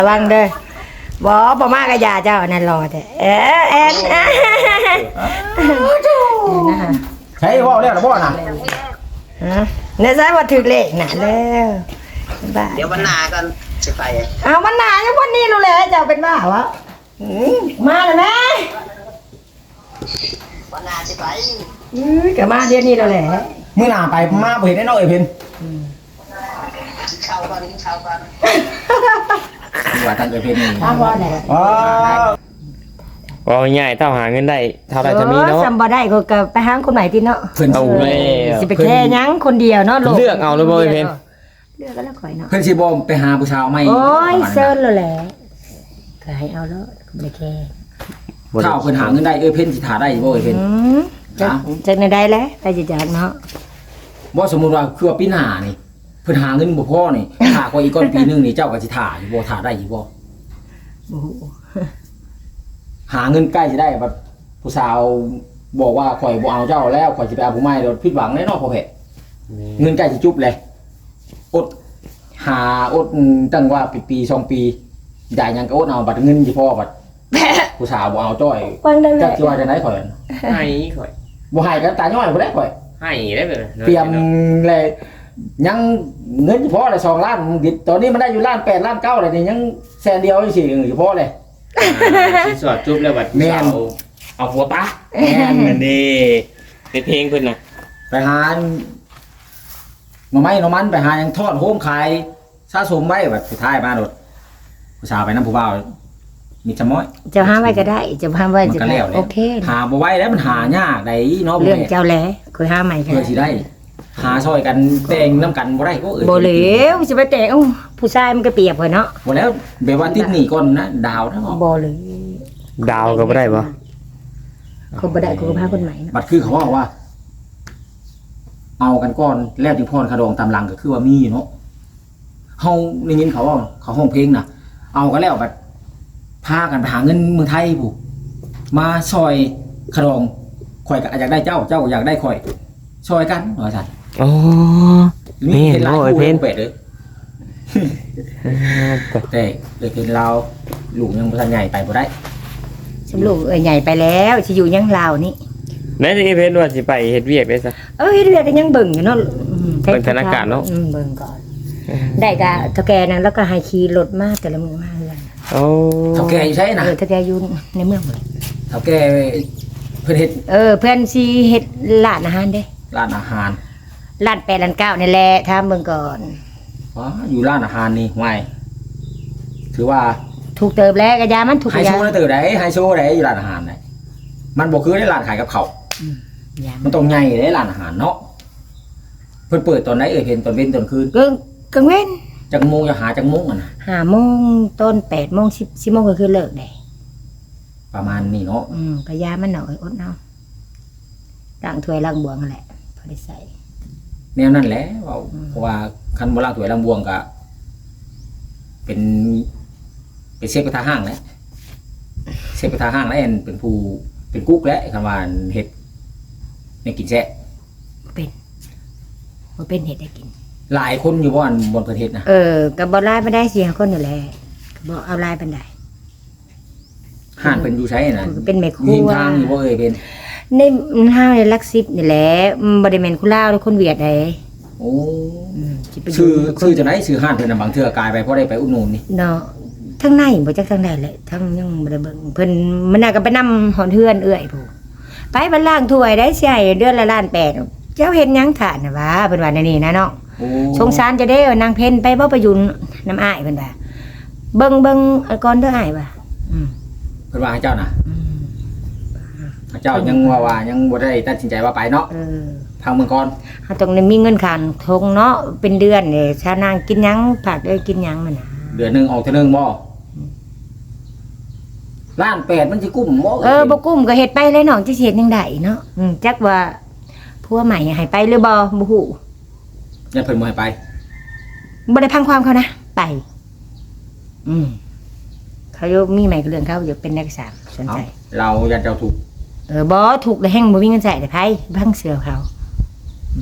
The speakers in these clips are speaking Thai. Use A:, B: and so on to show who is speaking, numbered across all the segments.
A: ระวังเด้อบ่มากกะยาเจ้านั่นรอแท้แอนนะคะ
B: ใช้ว่าแล้วบ่น่ะ
A: เนี่ยใช่ว่าถึกเลขน่ะแล้วบ้า
C: เดี๋ยววันหน้ากันจะไป
A: เอาวันหน้ายังวันนี้รู้เลยเจ้าเป็นบ้าวะมาเลยแม่
C: วันหน้าจะไป
A: ก็มาเดี๋ยวนี้แล้วแหละ
B: มื้อหน้าไปมาบ่เห็นได้เนาะเอ้ยเพิ่น
C: เข้ากัน
B: ว่าทางเอ้ยเพิ่นนี่
A: อ้าวบ่ได้
D: ว่าง่ายเท่าหาเงินได้เท่าไรจะมีเนาะ
A: จำบ่ได้ก็ไปหาคนใหม่ที่เนาะ
B: เพิ่น
D: เอาแล้ว
A: สิไปแค่ยังคนเดียวเนาะ
D: เลือกเอาเลยบ่เพิ่น
A: เลือกก็แล้วข่อยเนาะ
B: เพิ่นสิบ่ไปหาผู้ชายใหม่
A: โอ้ยเซิร์ชแล้วแหละก็ให้เอาแล้วไม่แค่
B: ถ้าเพิ่นหาเงินได้เอ้ยเพิ่นสิถ่าได้บ่เอ้ยเพิ่น
A: จะในได้แล้วแต่จะจากเนาะ
B: บ่สมมุติว่าคือว่าปีหน้านี่เพิ่นหาเงินบ่พอนี่ถ่าก็อีกก่อนปีนึงนี่เจ้าก็สิถ่าอยู่บ่ถ่าได้อยู่บ่หาเงินใกล้สิได้บัดผู้สาวบอกว่าข่อยบ่เอาเจ้าแล้วข่อยสิไปเอาผู้ใหม่แล้วผิดหวังแน่นอนพ่อแพทย์เงินใกล้สิจุบเลยอดหาอดตั้งว่าปี2 ปีได้หยังก็อดเอาบัดเงินสิพอบัดผู้สาวบ่เอาจ้อยจักสิว่าจังได๋ข่อย
D: ให้ข่อย
B: บ่ให้กันตาย้อยบ่ได้ข่อย
D: ให้ได้เลย
B: เตรียมเลยยังเงินสิพอได้2 ล้านตอนนี้มันได้อยู่ล้าน8ล้าน9แล้วนี่ยังแสนเดียวสิสิพอเลย
D: สิสอดจุ๊บแล้วบัดแม่นเอาหัวปะแม่นนั่นดิเป็นเพลงเพิ่นน่ะ
B: ไปหาหน่อไม้หน่อมันไปหายังทอดโฮมขายสะสมไว้แบบสุดท้ายมาโดดผู้สาวไปน้ำผู้บ่าวมีจำม้อย
A: จะห้ามไว้ก็ได้จะห้ามไว้จะได้โอเค
B: หาบ่ไว้แล้วมันหายากได้เนาะ
A: เรื่องเจ้าแหละคือห้ามใหม่
B: เพื่อสิได้หาซอยกันแต่งน้ำกันบ่ได้ก็
A: บ่เหลวสิไปแต่งผู้ชายมันก็เปรียบเนาะ
B: บ่แล้วแบบว่าติดหนี้ก่อนนะดาวทั้ง
A: บ่เลย
D: ดาวก็บ่ได้บ่
A: เขาบ่ได้กูก็พาคนใหม่
B: บัดคือเขาว่าเอากันก่อนแล้วจึงพรคดองตามหลังก็คือว่ามีเนาะเฮาได้ยินเขาว่าเขาห้องเพลงน่ะเอากันแล้วบัดพากันไปหาเงินเมืองไทยผู้มาซอยคดองข่อยก็อยากได้เจ้าอยากได้ข่อยซอยกันว่าซั่น
D: อ๋อ
B: นี่เห็นหลายคู่เป็ดเด้อแต่เลยเป็นเราลูกยังบ่ทันใหญ่ไปบ่ได้
A: สำลูกใหญ่ไปแล้วสิอยู่ยังลาวนี่
D: แม่สิเพิ่นว่าสิไปเฮ็ดเวียกได้ซะ
A: เฮ็ดเวียกก็ยังเบิ่งอยู่เนาะ
D: เบิ่งสถานการณ์เนาะ
A: เบิ่งก่อนได้ก็เฒ่าแก่นั่นแล้วก็ให้ขี่รถมาแต่ละมื้อมาเฮือน
D: โอ้
B: เฒ่าแก่อยู่ไสน่ะ
A: เฒ่าแก่อยู่ในเมืองบ่
B: เฒ่าแก่เพิ่นเฮ็ด
A: เพิ่นสิเฮ็ดร้านอาหารเด้
B: ร้านอาหาร
A: ร้าน8ร้าน9นี่แหละถามเบิ่งก่อน
B: อ๋ออยู่ร้านอาหารนี่ห่วยถือว่า
A: ถูกเติบแล้วก็ยามันถูก
B: ไฮโซได้เติบได้ไฮโซได้อยู่ร้านอาหารได้มันบ่คือได้ร้านขายกับข้าวมันต้องใหญ่ได้ร้านอาหารเนาะเพิ่นเปิดตอนไหนเพิ่นตอนเว้นตอนคืน
A: กลางเว้น
B: จักโมงจะหาจักโมงอ่ะนะ
A: 5 โมงต้น8 โมง10 โมงก็คือเลิกได้
B: ประมาณนี้เนาะ
A: ก็ยามันหน่อยอดเอาล้างถ้วยล้างบวงนั่นแหละพอได้ใส่
B: แนวนั้นแหละเพราะว่าคันบ่ล้างถ้วยล้างบวงก็เป็นเชฟกระทะห้างแหละเชฟกระทะห้างแล้วเป็นผู้เป็นกุ๊กแล้วคำว่าเฮ็ดในกินแซ่
A: เป็นเฮ็ดได้กิน
B: หลายคนอยู่บนประเทศนะ
A: ก็บ่หลายปานใด4 คนนี่แหละก็บ่เอาหลายปานใด
B: ห้างเพิ่นอยู่ไสน่ะ
A: เป็นแม่ครัว
B: ทางอยู่บ่เป็น
A: ในห้างในลักซิบนี่แหละบ่ได้แม่นคนลาวหรือคนเวียดใด
B: โอ้ชื่อจังได๋ชื่อห้างเพิ่นน่ะบางเทื่อกลายไปพอได้ไปอุดหนุนนี่
A: เนาะทั้งในบ่จักทางใดแหละทั้งยังบ่ได้เบิ่งเพิ่นมันน่าก็ไปนำหอนเฮือนเอื้อยผู้ไปบัดล้างถ้วยได้สิให้เดือนละล้าน8เจ้าเฮ็ดหยังถ่านน่ะว่าเพิ่นว่าแนวนี้นะเนาะสงสารจะได้นางเพ็ญไปบ่ไปอยู่น้ำอ้ายเพิ่นว่าเบิ่งก่อนเด้ออ้ายว่า
B: เพิ่นว่าให้เจ้าน่ะเจ้ายังว่ายังบ่ได้ตัดสินใจว่าไปเนาะทางเมืองก่อน
A: เฮาต้องมีเงินค่าทงเนาะเป็นเดือนนี่ชานางกินหยังผักได้กินหยังมันน่ะ
B: เดือนนึงออกเทื่อนึงบ่ล้าน8มันสิกุ้มบ่
A: บ่กุ้มก็เฮ็ดไปเลยน้องจะสิเฮ็ดจังได๋เนาะจักว่าผัวใหม่ให้ไปหรือบ่ฮู้
B: ยังเพิ่นบ่ให้ไป
A: บ่ได้พังความเขานะไปเขาอยู่มีใหม่ก็เรื่องเขาอยู่เป็นนักศึกษาสนใจ
B: เราอยากเจ้าถูก
A: บ่ถูกแล้วแฮงบ่มีเงินใช้แต่ไผพังเสือเขา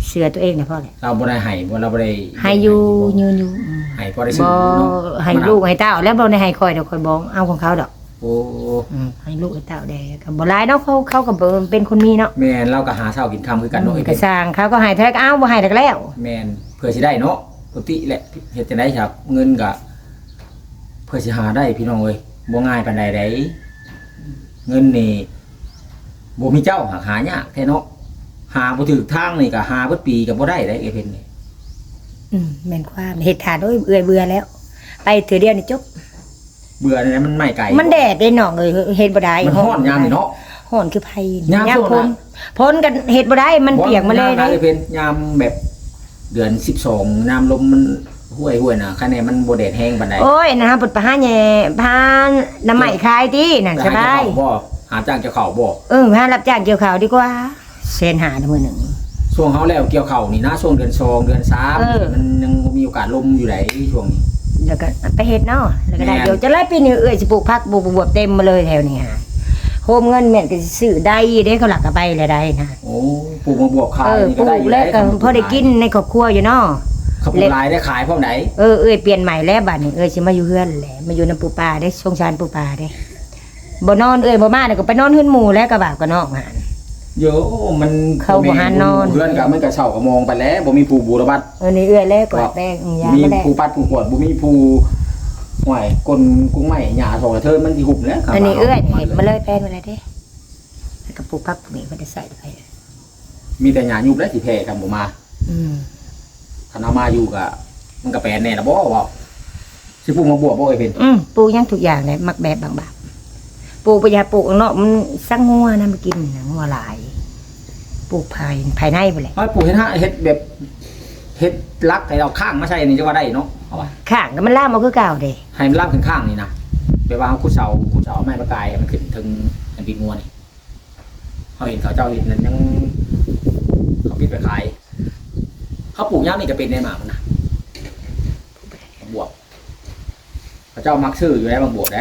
A: เสือตัวเองนะพ่อแหละ
B: เราบ่ได้ให้บ่เราบ่ได้
A: ให้อยู่ยืนอยู่
B: ให้พอได้ซื้
A: บ่
B: อเนาะ
A: ให้ลูกให้เต้าแล้วบ่ได้ให้คอยเดี๋ยวคอยบอกเอาของเขาดอก
B: โอ้
A: ให้ลูกให้เต้าได้ก็บ่หลายเนาะเขาก็เป็นคนมีเนาะ
B: แม่นเราก็หาเช้ากินค่ำคือกันเนาะไอ้
A: ก็
B: เพิ่น
A: สร้างเขาก็ให้เท่าไหร่ก็เอาบ่ให้แล้ว
B: แม่นเพื่อสิได้เนาะปกติแหละเฮ็ดจังได๋ครับ เงินก็เพื่อสิหาได้พี่น้องเอ้ยบ่ง่ายปานใดเด้เงินนี่บ่มีเจ้าหายากแท้เนาะหาบ่ถูกทางนี่ก็หาเบิดปีก็บ่ได้เด้ไอ้เพิ่นนี่
A: แม่นความเฮ็ดขาดโอ้ยเบื่อแล้ว ไปเถือเดียวนี่จบ
B: เบื่อนี่นะมันไม่ไกล
A: มันแดดได้น้องเอ้ยเฮ็ดบ่ได้
B: มันฮ้อนยามนี่เนาะ
A: ฮ้อนคือไผ
B: ยามช่วง
A: พ้น
B: นั้น
A: พ้นกันเฮ็ดบ่ได้มันเปียกมาเลย
B: นะ
A: ได้
B: ไอ้เพิ่นยามแบบเดือน12น้ำลมมันห้วยๆน่ะคะแนนมันบ่แดดแห้งปานใด
A: โอ้ยนะคะปุดปะหาแหน่พาน้ำใหม่คายตินั่นสบาย
B: หาจ้างเจ้าเขาบ่
A: พารับจ้างเกี่ยวข้าวดีกว่าเซนหามื้อหนึง
B: ช่วงเฮาแล้วเกี่ยวเขานี่นะช่วงเดือน2เดือน
A: เออ
B: 3มันยังมีโอกาสลมอยู่ไหนช่วงนี้
A: แล้วก็ไปเฮ็ดเนาะแล้วก็ได้
B: แม่น
A: เดี๋ยวจะไล่ปีนี้สิปลูกผักบวบเต็มมาเลยแถวนี้ฮะโฮมเงินแม่นก็สิซื้อได้เด้เขาหลักก็ไปเลยได้นะ
B: โอ้ปลูกมาบวกขายนี่
A: ป
B: ก็
A: ลู
B: ได้
A: ก
B: อยู่
A: แล้วก็
B: ได้
A: พอได้กินในครอบครัวอยู่เนาะ
B: เขาปลูกลายได้ขายพร้อมไหน
A: เปลี่ยนใหม่แล้วบัดนี้สิมาอยู่เฮือนแหละมาอยู่นำปูปลาได้สงสารปูปลาได้บ่นอนบ่มาก็ไปนอนเฮือนหมู่แล้วก็บาปก็นอกหาน
B: เยอะมัน
A: เขาบ่หานอน
B: เพื่อนก็มันก็เช่าก็มองไปแล้วบ่มีผู้บูรบัด
A: นี่แล้วกดแป้งยา
B: มี
A: ก็ได้
B: ผู้ปัดผู้กวดบ่มีผู้ห่วยกลกุ้งไม้หญ้าทองกระเทินมันสิหุบแล้วครับ
A: อันนี้เห็นมาเลยแป้งมาเลยเด้แล้วก็ปลูกผักนี่บ่ได้ใส่ไป
B: มีแต่หญ้ายุบแล้วสิแพ้กันบ่มา
A: อืม
B: คันเอามาอยู่ก็มันก็แปลนแน่ละบ่ว่าสิปลูกมาบวบบ่ไอ้เพิ่น
A: ปลูกหยังทุกอย่างเลยมักแบบบางๆปลูกไปอย่าปลูกข้างนอกมันสังงัวนะมากินนะงัวหลายปลูกภายในไปเลย
B: เอาปลูกเฮ็ดแบบเฮ็ดลักให้เราข้างมาใช่นี่จะว่าได้เนาะเอาว่า
A: ข้างก็มันล่ามเอาคือเก่าเด้
B: ให้มันลามข้างๆนี่นะแบบว่าขุดเสาเอาไม้ประกายให้มันขึ้นถึงอันปีงัวนี่เขาเห็นเขาเจ้าเห็นนั้นยังเขาปิดไปขายเขาปลูกย่างนี่ก็เป็นในหมามันนะบวบเขาเจ้ามักซื้ออยู่แล้วบางบวบได้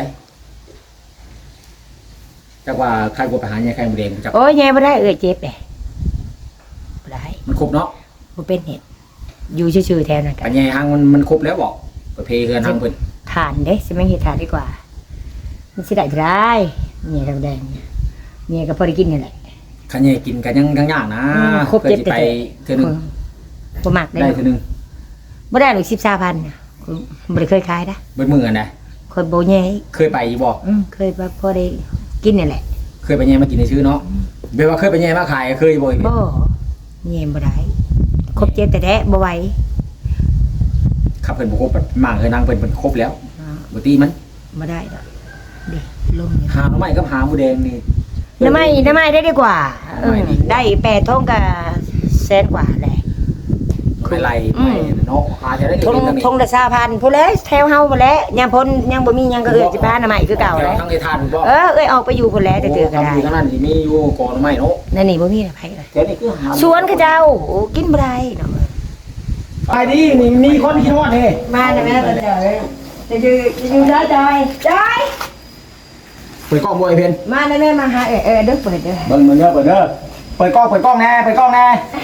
B: จักว่าใครบวบไปหาเนี่ยใครบวบเองจัก
A: โอ้ยแย่บ่ได้เจ็บเลยบ่ได้
B: มันครบเนาะ
A: บ่เป็นเห็ดอยู่ชื่อๆแทนนั่นกั
B: ปั
A: น
B: ญญาหังมันครบแล้วบอกประเพเฮือนหังเพิ่น
A: ทานเด้สิไม่เฮ็ดทานดีกว่ามันสิได้บ่ได้เนี่ยทางแดงเนี่ยก็พอได้กินนี่แหละ
B: ขันยายกินกันยังยากนะ
A: ครบ
B: เคย
A: เจ็บ
B: สิไปเทื่อนึง
A: บ่มักได้
B: ได้เทื่อนึง
A: บ่ได้หรอก13,000น่ะบ่ได้เคยขายนะ
B: เบิดมือกันนะ
A: คนบ่แย่
B: เคยไปอยู่บ่
A: เคยพอได้กินนี่แหละ
B: เคยไปแย่มากินในชื่อเนาะเบลว่าเคยไปแย่มาขายเคยบ่อย
A: บ่แย่บ่ได้ครบเจ็บแต่แท้บ่ไหว
B: ขับเพิ่นบ่ครบแบบมั่งเคยนั่งเพิ่นครบแล้วบ่ตีมัน
A: บ่ได้ดอกดิลมนี่
B: หาหน่อไม้กับหาหมูแดงนี่
A: น้ำไม้ได้ดีกว่าได้8ทงก็แสนกว่าแหละ
B: เป็นไรไปเนาะหาจะได้
A: ทง
B: เงิน
A: ทงละ3,000ผู้แล้วแถวเฮาบ่แล้วยามพ้นยังบ่มีหยังก็สิพาน้ำไม้คือเก่าแล้ว
B: ทั้งในทานบ่
A: ออกไปอยู่พุ่นแล้วแต่เจอก็ได้
B: อยู่ทั้งนั้นสิมีอยู่กอหน่อไม้เนาะ
A: นั่นนี่บ่มีไผเลย
B: แต่นี่คือหา
A: สวนเขาเจ้าโอ้กินบ่ได้เนาะ
B: ไปดินี่มีคนคิดฮอดเด้
A: มาแล้วแม่ตาจอยจะอยู่ได้จอยจอย
B: เปิดกล้องบ่ไอ้เพิ่น
A: มาแล้วแม่มาหาเด้อเปิดเด้อ
B: เบิ่งเด้อเปิดกล้องแน่เปิดกล้องแน่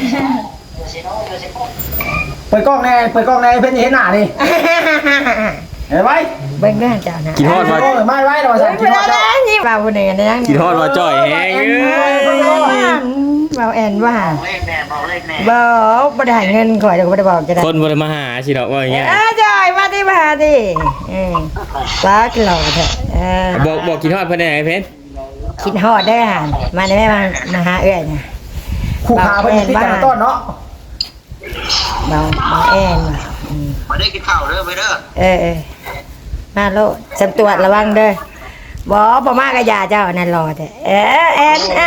B: เปิดกล้องแน่เพิ่นจะเห็นหน้านี่เห็นไหม
A: เบิ่งเด้อเจ้านะ
D: กินฮอดมา
B: ไม่ไว้เราสั่งกินฮอด
A: นี่ว่าผู้หนึ่งนะยัง
D: กินฮอดมาจ่อยแฮงเอ้ย
A: เบาแอนว่า
C: เลขแน่บอกเลขแน่
A: บ่ได้เงินข่อยเดี๋ยวบ่ได้บอกจะได้
D: คนบ่ได้มาหาสิดอกว่าอย่างเงี้ย
A: จอยมาที่มาดิป้ากินเหล้าเถอะ
D: บอกกินฮอดเพิ่นได้ไหนเพชร
A: คิดฮอดได้ห่ามาได้แม่มาหาเอื้อยนะ
B: คู่ขาเพิ่นติดกันต้นเนาะ
A: เบาแอนว่ะ
C: มาได้กินข้าวเด้อไปเด้อ
A: มาโลดสำตรวจระวังเด้อบ่มากระยาเจ้านั่นรอแต่แอนนะ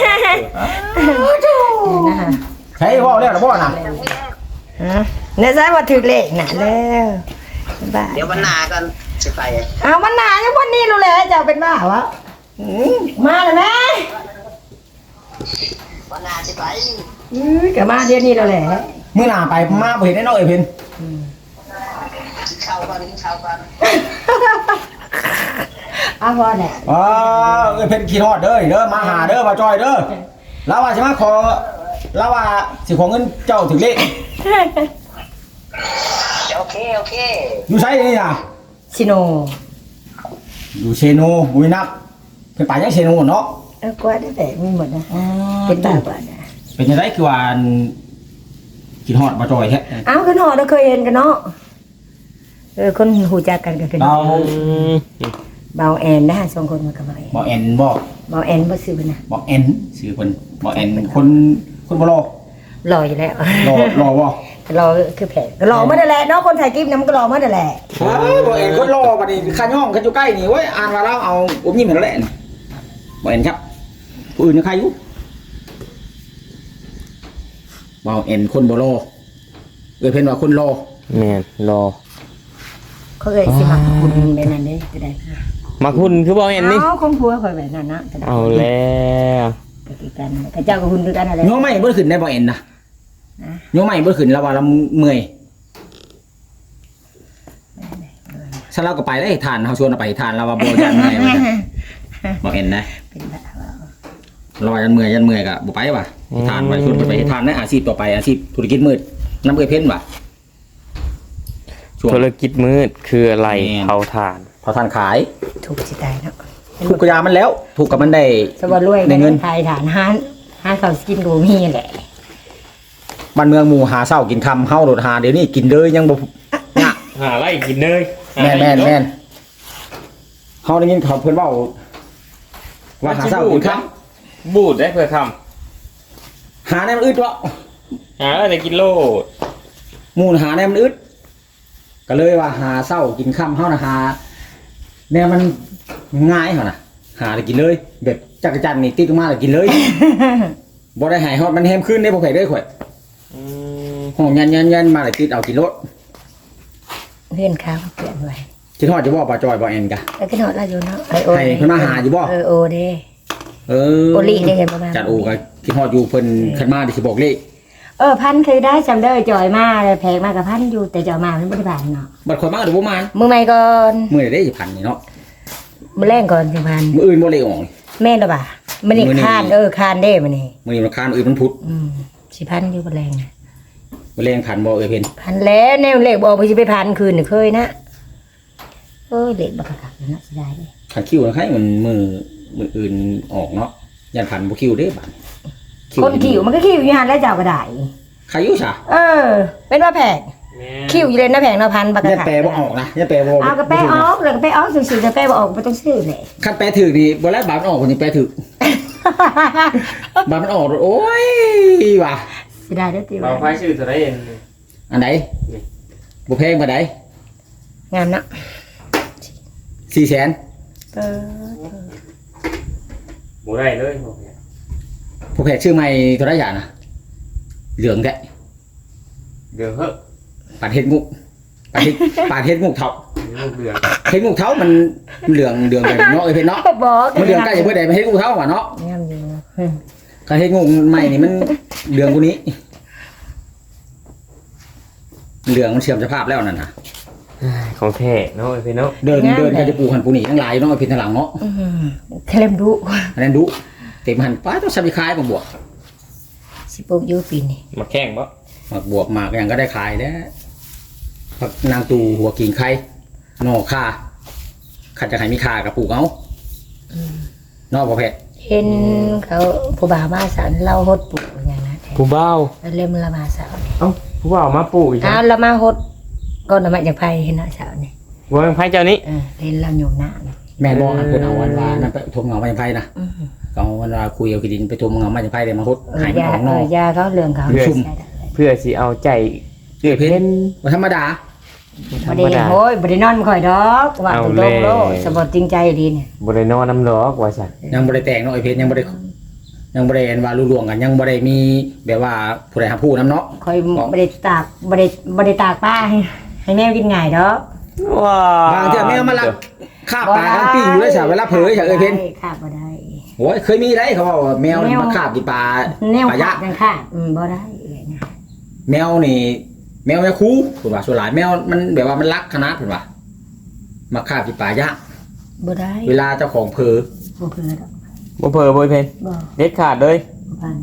A: ฮะ
B: ใช่ว่าแล้วนะพ่อน่ะ
A: เนี่ยใช่ว่าถึกเลขน่ะแล้วบ้า
C: เดี๋ยววันหน้ากันสิไป
A: เอามันหนายังวันนี้รู้เลยเจ้าเป็นบ้าวะมาเลยแม่
C: วันหน้าสิไป
A: กับมาเดี๋ยวนี้แล้วแหละ
B: มื้อหน้าไปมาบ่เห็นแน่นอนไอ้เพิ่น
C: กินข้าวก่อนกินข้าวก่อน
A: เอาพอแหละ
B: ไอ้เพิ่นคิดฮอดเด้อมาหาเด้อมาจอยเด้อแล้วว่าสิมาขอแล้วว่าสิขอเงินเจ้าถึงเลข
C: โอเค
B: อยู่ไสนี่น่ะ
A: ชิโน
B: อยู่เชโนบุรีนับเป็นป่ายังเชโนเนาะ
A: กว่าได้แต่มีหมดนะเป็นตาบอดนะ
B: เป็นยังไงคือว่ากินฮอดบ่จอยแท้
A: เอ้ากันหอเราเคยเห็นกันเนาะคนหูจักกันก็คือ
B: เรา
A: เบาแอนนะสองคนมากับเบาแอน
B: บ่แอนบ่
A: เบาแอนบ่ซื้อนะ
B: บ่แอนชื่อเพิ่นบ่แอนคนบ่รอ
A: รออยู่แล้ว
B: รอบ่
A: รอคือแผลก็รอมาได้แหละเนาะคนถ่ายคลิปนำก็รอมาได้แหละ
B: บ่แอนคนรอบัดนี้ข้าย่องข้าอยู่ใกล้นี่เว้ยอ่านว่าเราเอาอมยิ้มให้แล้วแหละบ่แอนครับผู้อื่นยังใครอยู่บ่แอนคนบ่รอเพิ่นว่าคนรอ
D: แม่นรอ
A: เขาเอ่ยสิมาคุณแบบนั้นเด้จะได้
D: มาคุณคือบ่เห็นนี่
A: เอาของผัวข่อยแบบนั้นนะจะได้
D: เอาแล้ว
A: ก็คือกันกับเจ้ากับคุณคือกันอะไร
B: โยมไม่บ่ขึ้นได้บ่แอนนะโยมไม่บ่ขึ้นแล้วว่าเราเมื่อยถ้าเราก็ไปได้ทานเฮาชวนเราไปทานเราว่าบ่ยันเมื่อยว่าบ่แอนนะ
A: เป็นแบบว่า
B: เราว่ายันเมื่อยก็บ่ไปว่ะทานไว้ชวนไปทานในอาชีพต่อไปอาชีพธุรกิจมืดน้ำเอ้ยเพ่นว่ะ
D: ธุรกิจมืดคืออะไร
B: แม่น
D: เผาถ่าน
B: พอทานขาย
A: ถูกสิตายเนาะ
B: ถูกกระยามันแล้ว ถูกกับมันได้
A: สวัสดิ์รวย
B: ได้เงิน
A: ไทยฐานห้านเขาสกินโกมีแหละ
B: บ้านเมืองหมู่หาเช้ากินค่ำเฮาโดดหาเดี๋ยวนี้กินเลยยังบ่ยะ
D: หาอะไรกินเลย
B: แม่นเฮาได้ยินเขาเพิ่นเว้าว่าหาเช้ากินค่ำ
D: บูดได้เพื่อค
B: หาในมันอึดวะ
D: ำหาอะไรกินโลด
B: หมู่หาในมันอึดก็เลยว่าหาเช้ากินค่ำเฮานะหาแนวมันง่ายเฮานะหาได้กินเลย แบบจักรจันทร์นี่ติดลงมาแล้วกินเลย บ่ได้หายฮอดมันแฮมขึ้นได้บ่ไผเด้อข่อย
D: อืม
B: ห้องยันมาแล้วติดเอากินรถ
A: เพื่อนข้าวเปลี่ยนไว้
B: คิดฮอดจะบ่ปลาจอยบ่แอนกะ
A: แล้วก็นอนเราอยู่เนาะ
B: ให้เพิ่นมาหาอยู่บ่
A: โอเด้
B: เออ
A: โอลิได้เห็นประมาณ
B: จัดโอก็คิดฮอดอยู่เพิ่นคันมาสิบอกเลข
A: พันเคยได้จำได้จอยมาแพงมากกับพันอยู่แต่จอยมามันไม่ได้ผ่านเนาะ
B: บัดข่อยมาก็บ่มา
A: มือใหม่ก่อน
B: มื้อใดได้สิพันนี่เนาะ
A: มือแรกก่อนสิพัน
B: มื้ออื่นบ่เลขออกนี่
A: แม่นหรอป่ะมันนี่คานคานได้มันนี่
B: มื้อนี้มันค้านมื้ออื่นมันพุธ
A: สิพันอยู่บนแรง
B: บ่แรงพันบ่เอ้ยเพิ่น
A: พันแล้วแนวเลขบอกไปสิไปพันคืนนี่เคยนะเลขบักกักนะสิได้เลย
B: คันคิวนะใครมันมื้ออื่นออกเนาะยันพันบ่คิวเด้บัด
A: คนขิวมันก็ขิวอยู่หันแล้วเจ้าก็ได้
B: ใครอยู่ซะ
A: เป็นว่าแพงขิวอยู่เลยนะแพงนะพันบักกั
B: ยัน
A: ก
B: แปลบ่ออกนะยันแปลบ่
A: เอากระแปะออกแล้วกระแปะออกสื่อๆกระแปะบ่ออกไม่ต้องซื้อเลย
B: คันแปลถูกนี่บ่แล้วบาดมันออกคนนี้แปลถูกบาดมันออกโอ้ยว่ะ
A: สิได้ได้ตี
D: เรา
A: ว่า
D: ไฟชื่อตัวได้เอง
B: อันไหนบ่แพงปานใด
A: งามเนาะ
B: 400,000
D: บูได้เลย
B: ผู้แพทย์ชื่อใหม่เท่าไหร่อย่างนะเหลืองแก
D: เดือดเหอะ
B: ปาดเฮ็ดมุกปาดเฮ็ดมุกเท่า
D: ลูกเดือด
B: เฮ็ดมุกเท่ามันเหลืองแบบเนาะเอ้ยเพิ่นเนาะ
A: บอก
B: มันเหลืองใกล้จะเบิดได้มันเฮ็ดมุกเท่าว่ะเนาะ
A: งามอยู่
B: ก็เฮ็ดมุกใหม่นี่มันเหลืองกว่านี้เหลืองมันเสื่อมสภาพแล้วนั่นน่ะ
D: ของแท้เนาะพี่เนาะ
B: เดินก็จะปลูกหันปลูกนี่ทั้งหลายเนาะไอ้เพิ่นทางหลังเนาะ
A: เคลมดุ
B: อันนั้นดุเต็มหันป้าต้องสับขายมาบวก
A: สิปลูกอยู่ปีนี้
D: มาแข่งปะ
B: มาบวกมากยังก็ได้ขายแล้วผักนางตูหัวกิ่งไข่หน่อข่าขัดจะให้มีข่ากับปลูกเอาเนาะบ่แพทย์
A: เห็นเขาผู้บ่าวมาสานเล่าฮดปลูกอย่างนั้น
D: ผู้เบ้า
A: แล้วเล่มละมาสาวนี่
D: เอ้าผู้เบ้ามาปลูกอีก
A: ละมาฮดก็นำมาจากไผเห็นนะสาวนี่
D: ว่าไพ่เจ้านี้
A: เห็นเราอยู่หน้า
B: แม่บอกอันเพิ่นเอาวันว่านั่นไปทมเงามาจากไผนะก็เอาวันว่าคุยเอาขี้ดินไปทมเงามาจากไผได้มาฮดหายมันออกนอก
A: ยาเขาเรื่องเขา
D: เพื่อสิเอาใจ
B: เอ้ยเพิ่
D: เป็น
B: นบ่ธรรมดา
D: ธร
A: บ่
D: รม
A: ได้
D: ดา
A: โอ้ยบ่ได้นอนข่อยดอกว่าตรงๆโลสมบูรณ์จริงใจดีเนี่ย
D: บริโนอนน้ำหลอกว่าสัน
B: ยังบ่ได้แต่งเนาะไอ้เพิ่นยังบ่ได้อันว่ารู้ล่วงกันยังบ่ได้มีแบบว่าผู้ใดหาผู้นํเนาะ
A: ข่อยบ่ได้ตากบ่ได้ตากป้าให้แม่กินง่ายดอก
D: ว้า
B: บางเทื่อแม่มาลักฆ่าปลากันปิ้งอยู่เลยซะเวลาเผยซะเอ้ยเพิ่น
A: ค่ะบ่ได้
B: โอ้ยเคยมีได้เขาบอกว่าแมวนี่มาคาบกินปลา
A: แนว
B: ปลายะ
A: จังค่ะบ่ได้เลยนะ
B: แมวนี่แมวแม่คูเพิ่นว่าส่วนหลายแมวมันแบบว่ามันรักขนาดเพิ่นว่ามาคาบกินปลายะ
A: บ่ได้
B: เวลาเจ้าของเผลอ
A: บ่เพื่อดอก
D: บ่เพอบ่เพน
A: บ่
D: เด็ดขาดเลย
A: พัน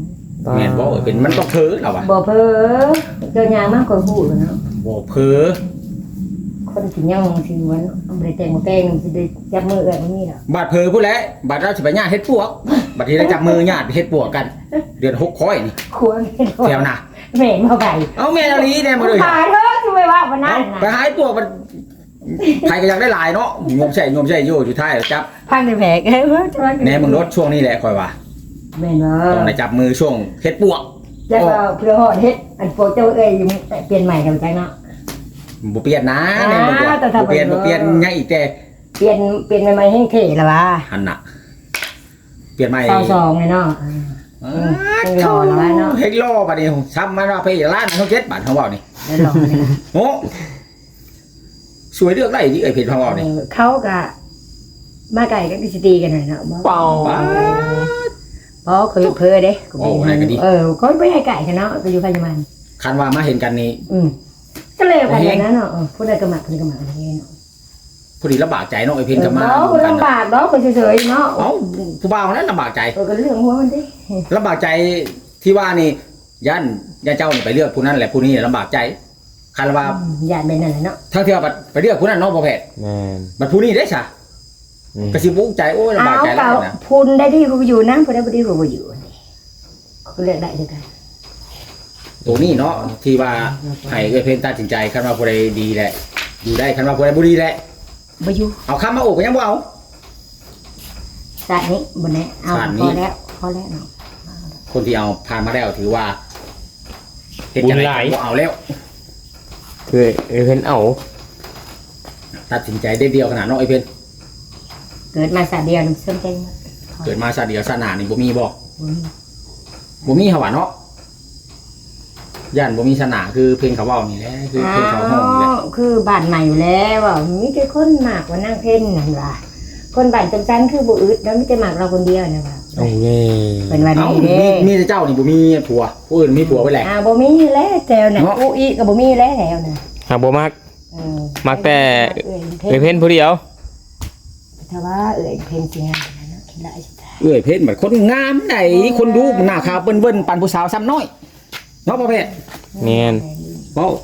B: แม่นบ่เป็นมันต้องเพ้อเราอะ
A: บ่เพ้อเจอยามากกว่าฮู้เนาะ
B: บ่เพ้อ
A: คนสิยังสิวันบ่ได้แต่งบ่แต่งสิได้จับมือเอื้อยบ่มีดอก
B: บาดเพ้อผู้แลบาดเราสิไปญาติเฮ็ดปวกบัดนี้เราจับมือญาติเฮ็ดปวกกัน เดือน6ค่อยนี่
A: ควร
B: แถวน่ะ
A: แม่นบ่ไก่
B: เอาแม่นอลีแน่บ่เลย
A: ขายเถอะสิไปว่าบ่นั่น
B: ไป
A: น่ะ
B: หาปวกมันใครก็อยากได้หลายเนาะงมใช่อยู่ท้ายแล้วจับ
A: พังได้แผลเอ้ยจะว่า
B: แหน่มึงรถช่วงนี้แหละค่อยว่า
A: แม่นบ่
B: ต้องได้จับมือช่วงเฮ็ดปวก
A: แล้วก็เพื่อฮอดเฮ็ดอันโปรเจ้าเอ้ยอยู่เปลี่ยนใหม่กันจังเนาะ
B: บ่เปลี่ยนนะแน่บ่เปลี่ยนยังอีกแต่
A: เปลี่ยนใหม่ๆให้เท่ละว่า
B: หันน่ะเปลี่ยนใหม่
A: 22ไงเนาะเฮ็ดรอแล้วว่าเนาะ
B: เฮ็ดรอบัดนี้ซ้ำมันว่าไปร้านเขา7บาทเขาเว้านี่
A: เฮ็ดรอนี่
B: โอ้สวยเลือกได้ดิเอ้ยเพจของเรานี่
A: เขาก็มาไก่ก็สิตีกันหน่อยเนาะบ่
D: เป่า
A: บ่เคยเพ้อเด้ก็ไม่ให้ไก่กันเนาะก็อยู่พยาบาล
B: คันว่ามาเห็นกันนี่
A: ก็เลยกันอย่างนั้นเนาะผู้ใดก็มักผู้ใดก็มักอะไรเนาะ
B: พอดีลำบากใจเนาะไอ้เพจก็มา
A: เนาะลำบากเนาะคนเฉยๆเนาะ
B: เอ้าผู้บ่าวนั้นลำบากใจ
A: ก็เรื่องหัวมันดิ
B: ลำบากใจที่ว่านี่ย่านเจ้านี่ไปเลือกผู้นั้นแหละผู้นี้ลำบากใจคันว่า
A: ญาติเป็นนั่นแหละเนาะ
B: ทั้งที่ว่าไปเลือกผู้นั้นเนาะบ่แพทย์
D: แม่น
B: บัดผู้นี้ได้ซะก็สิบุกใจโอ้ยลำบากใจแล้วนะ
A: พูนได้ที่กูอยู่นะพูนได้บ่ดีกูบ่อยู่ก็เลือกได้ด้วยกัน
B: ตัวนี้เนาะที่ว่าให้เอ้ยเพจตัดสินใจคันว่าผู้ใดดีแหละอยู่ได้คันว่าผู้ใดบ่ดีแหละ
A: บ่อยู่
B: เอาคำมาโอบก็ยังบ่เอา
A: สาดนี้บ่แน่เอาพอแล้วเนาะ
B: คนที่เอาผ่านมาแล้วถือว่าเฮ็ดจังได๋บ่เอาแล้ว
D: คือเพิ่นเอา
B: ตัดสินใจได้เดียวขนาดเนาะไอ้เพิ่น
A: เกิดมาสาดเดียวนึงสนใจหมด
B: เกิดมาชาติเดียวชาติหน้านี่บ่มีบ่บ่มีหว่าเนาะย่านบ่มีศาสนาคือเพลงเขาเว้านี่แหละคือเพลงเขาห้องนี่แหละ
A: คือบ้านใหม่อยู่แล้วว่ามีแต่คนมากกว่านั่งเพ่นนั่นว่าคนบ้านจังจันคือบ่อึดแล้วมีแต่มากเราคนเดียวนะว่า
D: โอ้ย
A: เป็นวัน
B: เอ้า
A: นี้เด้
B: มีแต่เจ้านี่บ่มีผัวผู้อื่นมีผัวไว้แหละ
A: บ่มีแล้วแถวน่ะอู้อีก็บ่มีแล้วแถวน่ะ
D: หากบ่มัก มักแต่
A: เอ้ย
D: เพิ่นผู้เดียว
A: ถ้าว่าเอ้ยเพ่นสิงานนะคิดหลายสิตา
B: เอ้ยเพชรบัดคนงามไดคนดูหน้าขาวเปิ้นๆปานผู้สาวซ้ำน้อยเนาะพ่อเพชร
D: แม่น
B: เว้า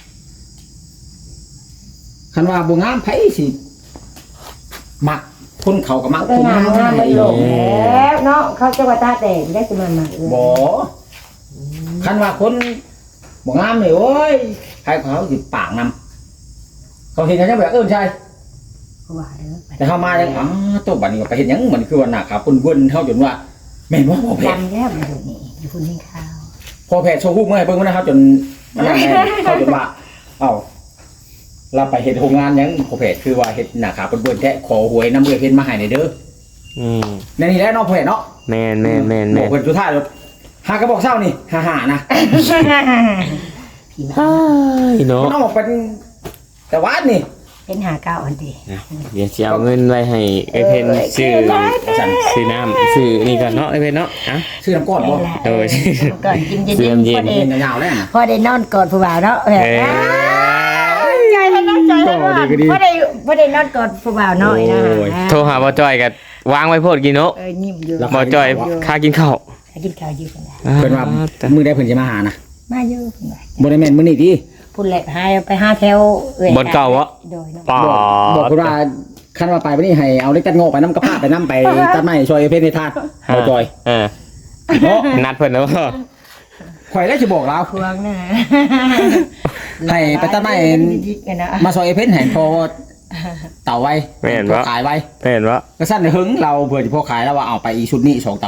B: คันว่าบ่งามไผสิมักคนเขาก็มัก
A: ก็
B: คน
A: งาง
B: าม
A: งามมันโลกแล้วเนาะเขาจะว่าตาแตกได้สิมันมาเอ้ย
B: บ่คันว่าคนบ่งามนี่โอ้ยใครเขาสิปากนำเขาเห็นกันจังแบบใช่
A: ก็ว่าเด้อ
B: แต่เข้ามาแล้วตัวบัดนี้ก็ไปเห็นหยังมันคือว่าหน้าขาวเปิ้นๆเฮาจนว่าแม่นบ่พ่อแพทย์
A: จำแล้วมันอยู่นี่อยู่พุ่นให้ข้าว
B: พ่อแพทย์โชว์รูปมาให้เบิ่งมันนะครับจนมันนั่นแหละเขาจนว่าเอ้าเราไปเฮ็ดโรงงานหยังพ่อแพทย์คือว่าเฮ็ดหน้าขาวเปิ้นๆแท้ขอหวยนำเอื้อเพชรมาให้หน่อยเด้อ
D: อืม
B: ในนี่แหละเนาะพ่อแพทย์เนาะ
D: แม่น
B: บอกเพิ่นสุดท้ายแล้วหากระบอกเช้านี่ฮ่าๆนะ
A: พี่มา
D: พี่เนาะ
B: มันออกเป็นแต่วัดนี่
A: เป็นหาเก้าอันดี
D: เดี๋ยวสิเอาเงินไว้ให้ไอ้เพิ่นซื้อ
B: สั่น
D: ซื้อน้ำซื้อนี่ก่อนเนาะไอ้เพิ่นเนาะอ่ะ
B: ชื่อน้ำก้อนบ่
D: เออ
A: ก่อนกินเย็น
D: เตรียมเย็น
A: พอดี
B: เป็นยาวๆแล้วนะ
A: พอได้นอนกอดผู้บ่าวเนาะ
D: เอ้ย
A: ใจแล้วนะใจแล้วนะพอได้นอนกอดผู้บ่าวน้อยนะ
D: โทรหาบ่จ้อยก็วางไว้โพดกินเนาะ
A: ยิ้มอยู่
D: บ่จ้อยค่ากินข้าว
A: กินข้าวอยู่กัน
B: เพิ่นว่ามื้อใดเพิ่นสิมาหานะ
A: มาอยู่
B: บ่ได้แม่นมื้อนี้ติ
A: พูดแหละไปหาแถว
D: บ่เก่าวะ
A: โดยเนาะ
D: ปอ
B: บอกเพิ่นว่าคันว่าไปวันนี้ให้เอาเล็กตัดโง่ไปนำกระพาไปนำไปตัดไม้ช่วยเพชรในทานบ่จอย
D: เออ
B: เนาะ
D: นัดเพิ่นแล้วบ่
B: ข่อยได้สิบอกเรา
A: พวงนะ
B: ให้ไปตัดไม้
A: กันนะ
B: มาซอยเพชรให้พอเต่าไว้
D: แม่น
B: พอ
D: บ่
B: ขายไว้
D: เห็นบ่
B: ก็สั่นหึงเราเผื่อสิพอขายแล้วว่าเอาไปอีชุดนี้2เต่า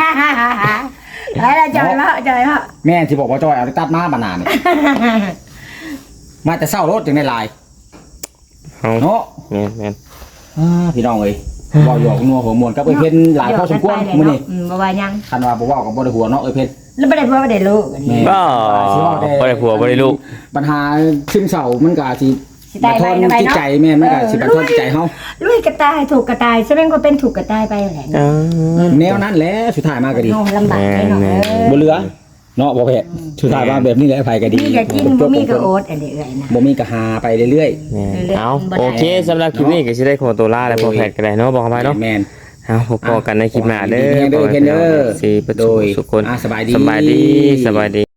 A: แล้วจอยละ
B: แม่ที่บอกว่าจอยเอาตัดมาบานานนี่ มาแต่เศร้ารถจึงได้ลาย
D: เอา
B: เนาะ
D: แม่น
B: พี่น้องเอ้ยเว้าหยอกนัวหัวมวนกับเอ้ยเพิ่นหลายพอสมควรมื้อนี้
A: บ่ว่ายัง
B: คันว่าบ่เว้ากับบ่ได้หัวเนาะเอ้ยเพิ่น
A: แล้วบ่ได้พ่อบ่ได้ลูก
B: แม่
D: บ่บ่ได้ผัวบ่ได้ลูก
B: ปัญหาซึมเศร้ามันก็สิ
A: สิ
B: บั
A: ตาย
B: ดท
A: ไป
B: อนจิตใจแม่นมันก็สิบัดทอนจิตใจเฮา
A: ลุยกระต่ายถูกกระต่ายแสดงว่าเป็นถูกกระต่ายไปแหละ
B: แนวนั้นแหละสุดท้ายมาก็ดี
A: โอ้ลำบากแน่นอน
B: บ่เหลือเนาะบ่เผ็ดสุดท้ายมาแบบนี้แหละไผก็ดี
A: มีก็กินบ่มีก็อดอันนี้เอ้ยนะ
B: บ่มีก็หาไปเรื่อย
D: แม่นเอาโอเคสำหรับคลิปนี้ก็สิได้ขอตัวลาแล้วพอแพทย์ก็ได้เนาะบอกเข้าไปเนาะ
B: แม่น
D: เอาพอๆกันในคลิปหน้าเด้อ
B: เด้อเพิ่นเด้อ
D: สิประตูทุกคน
B: สบายดี
D: สบายดี